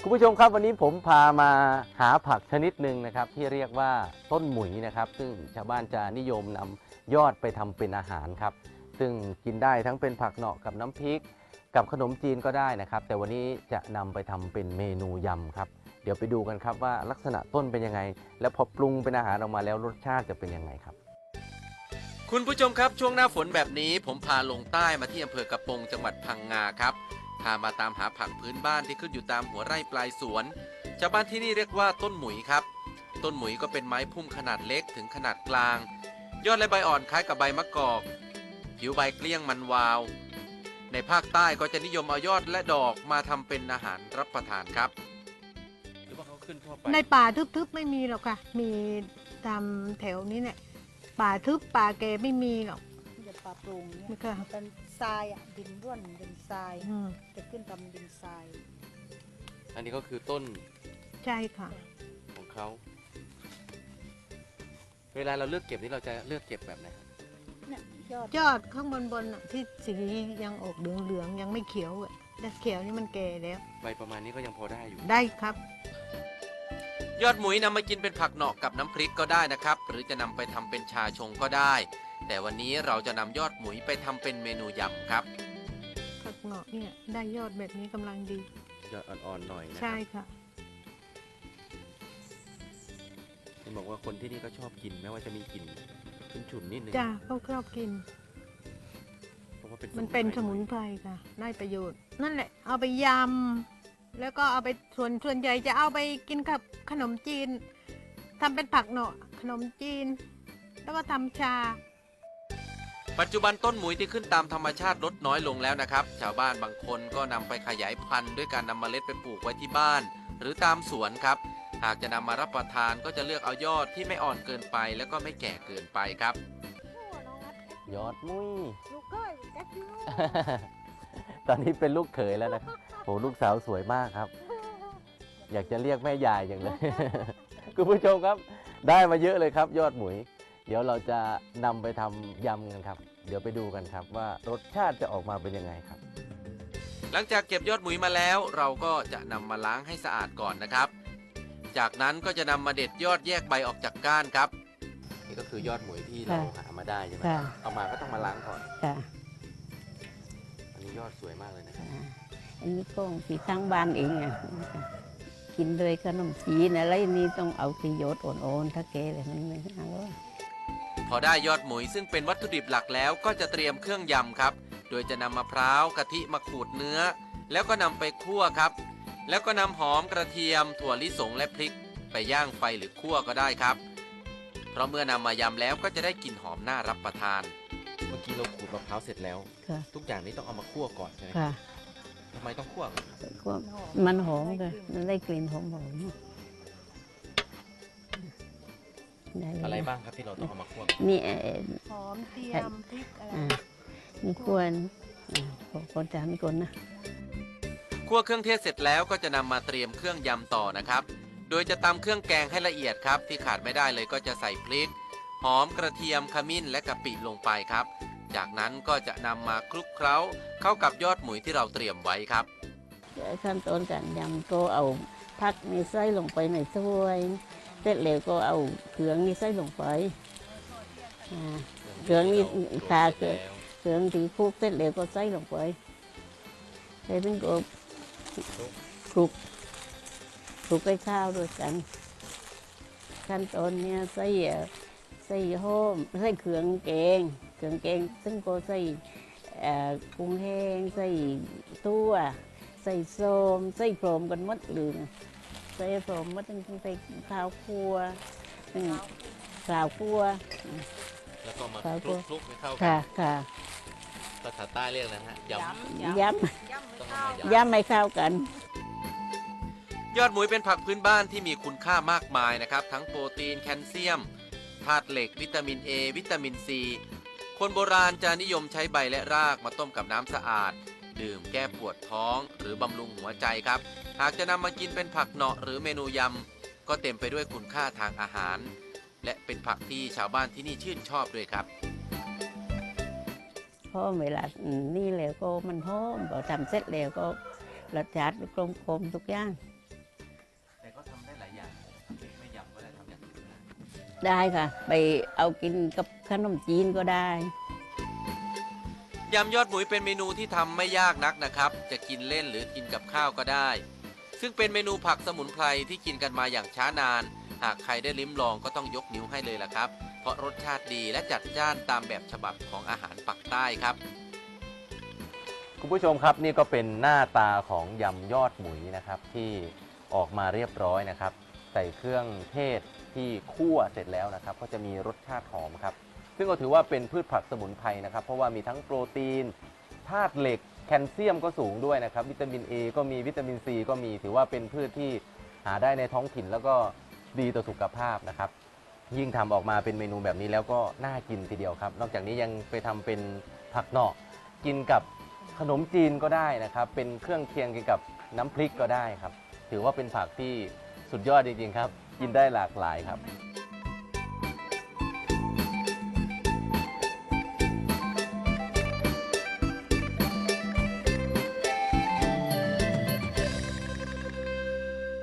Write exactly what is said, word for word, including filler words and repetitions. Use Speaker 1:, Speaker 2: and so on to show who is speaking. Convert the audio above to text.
Speaker 1: คุณผู้ชมครับวันนี้ผมพามาหาผักชนิดหนึ่งนะครับที่เรียกว่าต้นหมุยนะครับซึ่งชาวบ้านจะนิยมนำยอดไปทำเป็นอาหารครับซึ่งกินได้ทั้งเป็นผักเหนาะกับน้ำพริกกับขนมจีนก็ได้นะครับแต่วันนี้จะนำไปทำเป็นเมนูยำครับเดี๋ยวไปดูกันครับว่าลักษณะต้นเป็นยังไงแล้วพอปรุงเป็นอาหารออกมาแล้วรสชาติจะเป็นยังไงครับ
Speaker 2: คุณผู้ชมครับช่วงหน้าฝนแบบนี้ผมพาลงใต้มาที่อำเภอกระโปงจังหวัดพังงาครับพามาตามหาผักพื้นบ้านที่ขึ้นอยู่ตามหัวไร่ปลายสวนชาวบ้านที่นี่เรียกว่าต้นหมุยครับต้นหมุยก็เป็นไม้พุ่มขนาดเล็กถึงขนาดกลางยอดและใบอ่อนคล้ายกับใบมะกอกผิวใบเกลี้ยงมันวาวในภาคใต้ก็จะนิยมเอายอดและดอกมาทำเป็นอาหารรับประทานครับหรือว่าเขาขึ้นทั่วไป
Speaker 3: ในป่าทึบๆไม่มีหรอกค่ะมีตามแถวนี้เนี่ยป่าทึบป่าแกไม่มีหรอก
Speaker 4: จะป่าโปร่งเนี่ย
Speaker 3: ไม่ค่ะ
Speaker 4: เป็นทรายอ่ะดินร่วนดินทราย
Speaker 3: อืม
Speaker 4: จะขึ้นตามดินทราย
Speaker 1: อันนี้ก็คือต้น
Speaker 3: ใช่ค่ะ
Speaker 1: ของเขาเวลาเราเลือกเก็บนี่เราจะเลือกเก็บแบบไหนครับ
Speaker 4: เนี่ยยอด
Speaker 3: ยอดข้างบนบนๆที่สียังออกเหลืองๆยังไม่เขียวอ่ะแต่เขียวนี่มันแก่แล้ว
Speaker 1: ใบประมาณนี้ก็ยังพอได้อยู่
Speaker 3: ได้ครับ
Speaker 2: ยอดหมุยนำมากินเป็นผักเหนาะกับน้ำพริกก็ได้นะครับหรือจะนำไปทำเป็นชาชงก็ได้แต่วันนี้เราจะนำยอดหมุยไปทำเป็นเมนูยำครับ
Speaker 3: ผักเหงาะเนี่ยได้ยอดแบบนี้กำลังดี
Speaker 1: ยอดอ่อนๆหน่อยนะค
Speaker 3: ใช่
Speaker 1: รับ
Speaker 3: ค่ะ
Speaker 1: เห็นบอกว่าคนที่นี่ก็ชอบกินแม้ว่าจะมีกลิ่นฉุนๆนิดนึง
Speaker 3: จ้าเขาชอบกิน
Speaker 1: เพราะว่าเป็น
Speaker 3: มันเป็นสมุนไพรค่ะได้ประโยชน์ นั่นแหละเอาไปยำแล้วก็เอาไปส่วนส่วนใหญ่จะเอาไปกินกับขนมจีนทำเป็นผักเหนาะขนมจีน แล้วก็ทำชา
Speaker 2: ปัจจุบันต้นหมุยที่ขึ้นตามธรรมชาติลดน้อยลงแล้วนะครับชาวบ้านบางคนก็นำไปขยายพันธุ์ด้วยการนำเมล็ดไปปลูกไว้ที่บ้าน หรือตามสวนครับหากจะนำมารับประทานก็จะเลือกเอายอดที่ไม่อ่อนเกินไปแล้วก็ไม่แก่เกินไปครับ
Speaker 1: ยอดมุ้ย
Speaker 4: ลูกก้อยแก๊กยู
Speaker 1: ตอนนี้เป็นลูกเขยแล้วนะครับโหลูกสาวสวยมากครับ อยากจะเรียกแม่ยายอย่างเลย คุณผู้ชมครับได้มาเยอะเลยครับ ยอดหมุยเดี๋ยวเราจะนำไปทำยำกันครับเดี๋ยวไปดูกันครับว่ารสชาติจะออกมาเป็นยังไงครับ
Speaker 2: หลังจากเก็บยอดหมุยมาแล้ว เราก็จะนำมาล้างให้สะอาดก่อนนะครับ จากนั้นก็จะนำมาเด็ดยอดแยกใบออกจากก้านครับนี่ก็คือยอดหมุยที่เราหามาได้ใช่ไหมเอามาก็ต้องมาล้างก่อน
Speaker 5: ค่ะ
Speaker 1: อันนี้ยอดสวยมากเลยนะครับ
Speaker 5: อันนี้ก็สีทั้งบ้านเองอ่ะกินเลยขนมจีนอะไรนี่ต้องเอาสียอดอ่อนๆถ้าแกเลยมันไม่อร่อย
Speaker 2: พอได้ยอดหมุยซึ่งเป็นวัตถุดิบหลักแล้วก็จะเตรียมเครื่องยำครับโดยจะนำมะพร้าวกะทิมาขูดเนื้อแล้วก็นำไปคั่วครับแล้วก็นำหอมกระเทียมถั่วลิสงและพริกไปย่างไฟหรือคั่วก็ได้ครับเพราะเมื่อนำมายำแล้วก็จะได้กลิ่นหอมน่ารับประทาน
Speaker 1: เมื่อกี้เราขูดมะพร้าวเสร็จแล้วทุกอย่างนี้ต้องเอามาคั่วก่อนใช่ไหม
Speaker 5: ค่ะ
Speaker 1: ทำไมต้องคั่ว
Speaker 5: คั่วมันหอมเลยมันได้กลิ่นหอมหอม
Speaker 1: อะไรบ้างครับที่เราต้องเอามาคั่ว
Speaker 5: นี่
Speaker 3: หอมเทียมพริกอะไร
Speaker 5: มีควรคนจานมีคนนะ
Speaker 2: คั่วเครื่องเทศเสร็จแล้วก็จะนำมาเตรียมเครื่องยำต่อนะครับโดยจะตำเครื่องแกงให้ละเอียดครับที่ขาดไม่ได้เลยก็จะใส่พริกหอมกระเทียมขมิ้นและกะปิลงไปครับจากนั้นก็จะนำมาคลุกเคล้าเข้ากับยอดหมุยที่เราเตรียมไว้ครับ
Speaker 5: ขั้นตอนการยำก็เอาผักนี่ใส่ลงไปในถ้วยเสร็จแล้วก็เอาเครื่องนี่ใส่ลงไปเครื่องนี่ขาเครื่องเครื่องที่คลุกเสร็จแล้วก็ใส่ลงไปใส่เป็นก็คลุกคลุกไปข้าวด้วยกันขั้นตอนนี้ใส่ใส่หอมใส่เครื่องแกงเครื่องแกงซึ่งก็ใส่กุ้งแห้งใส่ตัวใส่ส้มใส่โฟมกันมัดหรือใส่โฟมมัดตั้งใส่ข้าวคั่วข้าวคั่ว
Speaker 2: แล้วก็มาคลุกๆให้เข้ากัน
Speaker 5: ค่ะค่ะ
Speaker 2: ภาษาใต้เรียกอะไรฮะย
Speaker 5: ำยำยำไม่เข้ากัน
Speaker 2: ยอดหมุยเป็นผักพื้นบ้านที่มีคุณค่ามากมายนะครับทั้งโปรตีนแคลเซียมธาตุเหล็กวิตามิน A วิตามิน ซี คนโบราณจะนิยมใช้ใบและรากมาต้มกับน้ำสะอาดดื่มแก้ปวดท้องหรือบำรุงหัวใจครับหากจะนำมากินเป็นผักเหนาะหรือเมนูยำก็เต็มไปด้วยคุณค่าทางอาหารและเป็นผักที่ชาวบ้านที่นี่ชื่นชอบด้วยครับ
Speaker 5: เพราะเวลานี่แล้วก็มันหอมพอทำเสร็จแล้วก็รสชาติกลมกลมทุกอย่างได้ค่ะ ไปเอากินกับขนมจีนก็ได้
Speaker 2: ยำยอดหมุยเป็นเมนูที่ทำไม่ยากนักนะครับ จะกินเล่นหรือกินกับข้าวก็ได้ ซึ่งเป็นเมนูผักสมุนไพรที่กินกันมาอย่างช้านาน หากใครได้ลิ้มลองก็ต้องยกนิ้วให้เลยล่ะครับ เพราะรสชาติดีและจัดจ้านตามแบบฉบับของอาหารปักใต้ครับ
Speaker 1: คุณผู้ชมครับนี่ก็เป็นหน้าตาของยำยอดหมุยนะครับที่ออกมาเรียบร้อยนะครับ ใส่เครื่องเทศที่คั่วเสร็จแล้วนะครับ ก็จะมีรสชาติหอมครับ ซึ่งก็ถือว่าเป็นพืชผักสมุนไพรนะครับ เพราะว่ามีทั้งโปรตีนธาตุเหล็กแคลเซียมก็สูงด้วยนะครับ วิตามิน A ก็มีวิตามิน C ก็มีถือว่าเป็นพืชที่หาได้ในท้องถิ่นแล้วก็ดีต่อสุขภาพนะครับ ยิ่งทำออกมาเป็นเมนูแบบนี้แล้วก็น่ากินทีเดียวครับ นอกจากนี้ยังไปทำเป็นผักหน่อกินกับขนมจีนก็ได้นะครับ เป็นเครื่องเคียงกินกับน้ำพริกก็ได้ครับ ถือว่าเป็นผักที่สุดยอดจริงๆครับ กินได้หลากหลายครับ